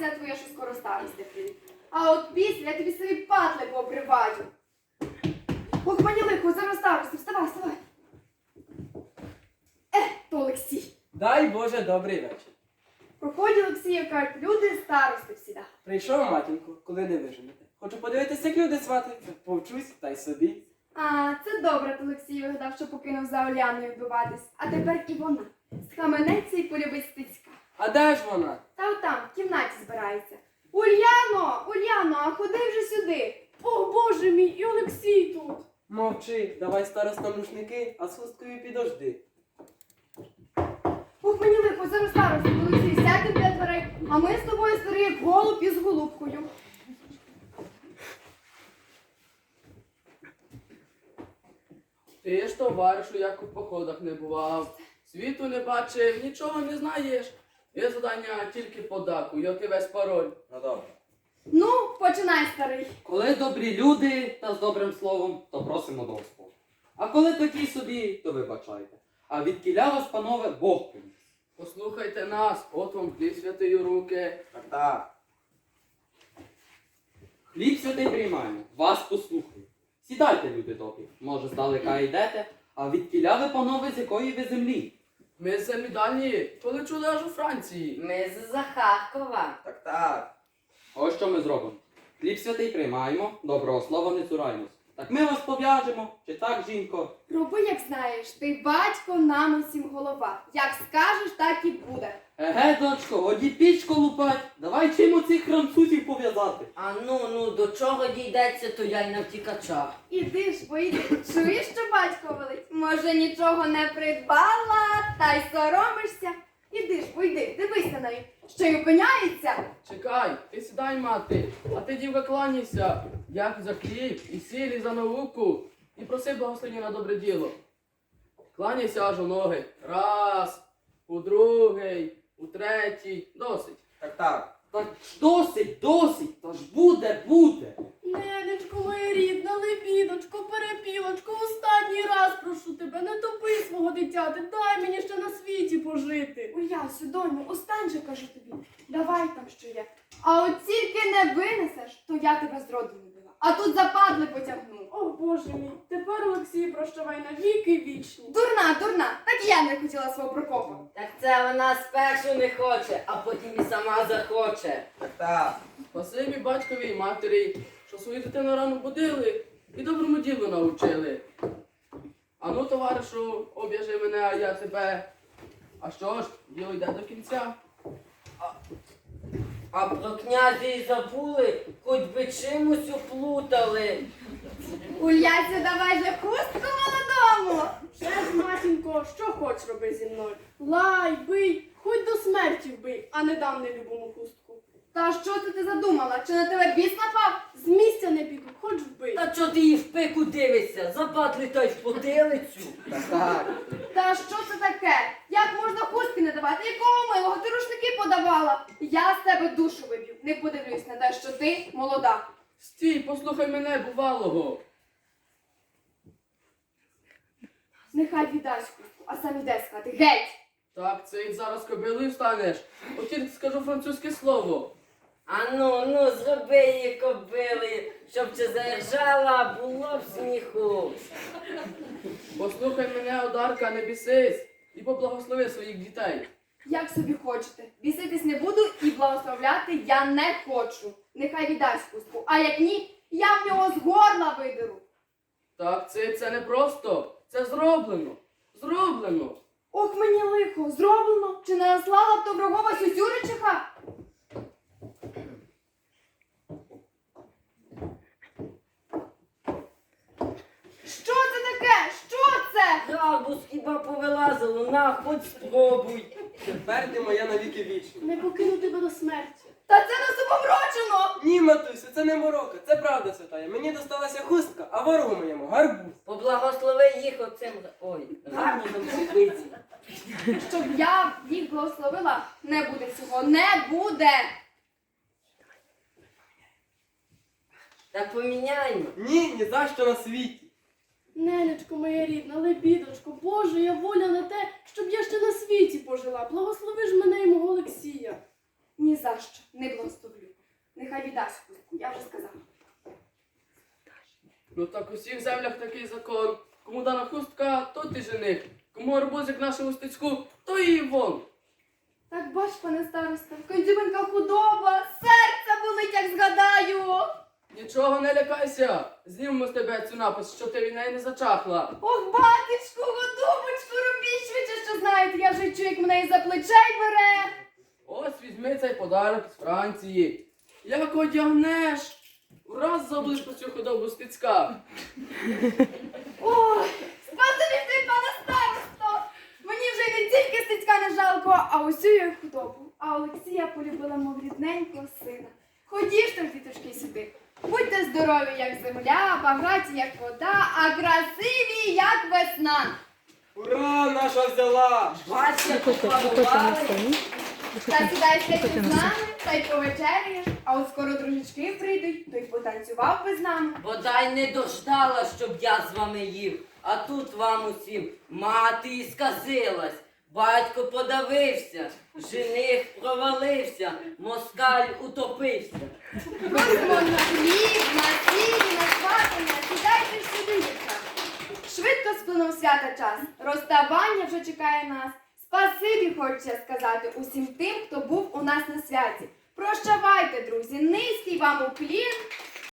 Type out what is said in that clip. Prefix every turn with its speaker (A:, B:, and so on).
A: сподівайся на твоє, що скоро старости прийде. А от після я тобі свої патли пообриваю. Ох, мені лихо, зараз старости, вставай, вставай. То Олексій.
B: Дай Боже, добрий вечір.
A: Проходять Олексія, кажуть, люди старости всіда.
B: Прийшов, матінко, коли не виженете. Хочу подивитися, як люди сватаються. Повчусь, та й собі.
A: А, це добре, Олексій вигадав, що покинув за Оляною вбиватись. А тепер і вона. Схаменеться і полюбить Стецька.
B: А де ж вона?
A: Та отам, в кімнаті збирається. Ульяно, Ульяно, а ходи вже сюди.
C: О, Боже мій, і Олексій тут.
B: Мовчи, давай староста рушники, а з хусткою підожди.
A: Ох, мені лихо, зараз старости, Олексій, сядьте біля дверей, а ми з тобою старі, як голуб із голубкою.
D: Ти ж, товаришу, як у походах не бував, світу не бачив, нічого не знаєш. Є завдання тільки подаку, як і весь пароль.
B: Ну добре.
A: Ну, починай, старий.
E: Коли добрі люди та з добрим словом, то просимо до Господа. А коли такі собі, то вибачайте. А відкіля вас, панове, Бог приніс.
D: Послухайте нас, от вам хліб святий у руки.
B: Так.
E: Хліб святий приймаємо, вас послухаю. Сідайте, люди добрі, може, здалека йдете, а відкіля ви, панове, з якої ви землі?
D: Ми з землі дальні, коли чули аж у Франції.
F: Ми з Захаркова.
B: Так.
E: Ось що ми зробимо. Хліб святий приймаємо, доброго слова не цураємось. Так ми вас пов'яжемо, чи так, жінко?
A: Роби, як знаєш, ти батько, нам усім голова. Як скажеш, так і буде.
E: Еге, дочко, годі пічку лупать, давай чим оцих французів пов'язати.
F: А ну, до чого дійдеться, то я й на втікачах.
A: Іди ж, поїди. Чуєш, що батько велить? Може, нічого не придбала, та й соромишся. Іди ж, пойди, дивись на неї. Що й опиняється?
D: Чекай, ти сідай, мати, а ти, дівка, кланяйся, як за хліб, і сіль, і за науку, і проси благословення на добре діло. Кланяйся аж у ноги. Раз, у другий, у третій, досить.
B: Так.
E: Так ж досить, та ж буде.
C: Ненечко моя рідна, лебідочко, перепілочко, останній раз прошу тебе, не топи свого дитяти, дай мені ще на світі пожити.
A: Улясю, доню, остань же, кажу тобі. Давай там, що є. А от тільки не винесеш, то я тебе зроду не била. А тут западли потягну.
C: О, Боже мій, тепер, Олексій, прощавай на віки вічні.
A: Дурна, так я не хотіла свого Прокопа.
F: Так це вона спершу не хоче, а потім і сама захоче.
B: Так.
D: Спасибі батькові і матері, що свою дитину рано будили і доброму ділу навчили. Ану, товаришу, об'яжи мене, а я тебе. А що ж, діло йде до кінця.
F: А про князя й забули, хоч би чимось уплутали.
A: Улясю, давай же хустку молодому.
C: Ще ж, матінко, що хоч роби зі мною? Лай, бий, хоч до смерті вбий, а не дам нелюбому хустку.
A: Та що це ти задумала? Чи на тебе біс напав?
C: З місця не піду, хоч вбий.
F: Та чого ти її в пику дивишся? Западли та й в потилицю.
B: Так.
A: Та що це таке? Як можна хустки не давати? Якого милого? Ти рушники подавала. Я з тебе душу виб'ю. Не подивлюсь на те, що ти молода.
D: Стій, послухай мене, бувалого.
A: Нехай віддасть хустку, а сам іде з хати. Геть!
D: Так, це й зараз кобилою станеш. От тільки скажу французьке слово.
F: А ну, зроби її кобили, щоб чи заіржала, було б сміху.
D: Послухай мене, одарка, не бісись. І поблагослови своїх дітей.
A: Як собі хочете. Біситись не буду і благословляти я не хочу. Нехай віддасть хустку. А як ні, я в нього з горла видеру.
D: Так, це не просто. Це зроблено. Зроблено.
A: Ох, мені лихо, зроблено. Чи не наслала б доброго Сюсюричиха? Що це таке? Що це?
F: Гарбуз хіба повилазило, на, хоч спробуй.
B: Тепер ти моя навіки вічна.
C: Не покину тебе до смерті.
A: Та це нас обомрочено!
B: Ні, матусю, це не морока, це правда святая. Мені досталася хустка, а ворогу моєму гарбуз.
F: Поблагослови їх оцим, гарбузом купиці.
A: Щоб я їх благословила, не буде цього, не буде!
F: Так поміняймо.
B: Ні за що на світі.
C: Ненечко моя рідна, лебідочко, Боже, я воля на те, щоб я ще на світі пожила. Благослови ж мене і мого Олексія.
A: ні за що не благословлю. Нехай віддасть хустку, я вже сказала.
D: Ну так у всіх землях такий закон. Кому дана хустка, то ти жених. Кому арбузик нашому стецьку, то і вон.
A: Так бач, пане староста, кондюбинка худоба, серце болить, як згадаю.
D: Нічого не лякайся. Знімемо з тебе цю напис, що ти від неї не зачахла.
A: Ох, батечку, голубочку, робіть швидше, що знаєте, я вже чую, як мене і за плечей бере.
D: Ось візьми цей подарок з Франції. Як одягнеш, враз забудеш про цю худобу стецька.
A: Ой, спасибі ти, пане старосто. Мені вже й не тільки стецька не жалко, а усю її худобу. А Олексія полюбила, мов рідненького сина. Ходіш ж, діточки, сюди. Будьте здорові, як земля, багаті, як вода, а красиві, як весна.
B: Ура, наша взяла!
F: Батька поплавали.
A: Та сідай сидіти з нами, та й повечеряєш, а от скоро дружечки прийдуть, то й потанцював би з нами.
F: Бодай не дождала, щоб я з вами їв. А тут вам усім мати і сказилась. Батько подавився, жених провалився, москаль утопився.
A: Просимо на хліб, на сіль, на сватання, сідайте ж сюди, дівчата. Швидко сплинув свята час, розставання вже чекає нас. Спасибі хочеться сказати усім тим, хто був у нас на святі. Прощавайте, друзі, низький вам уклін,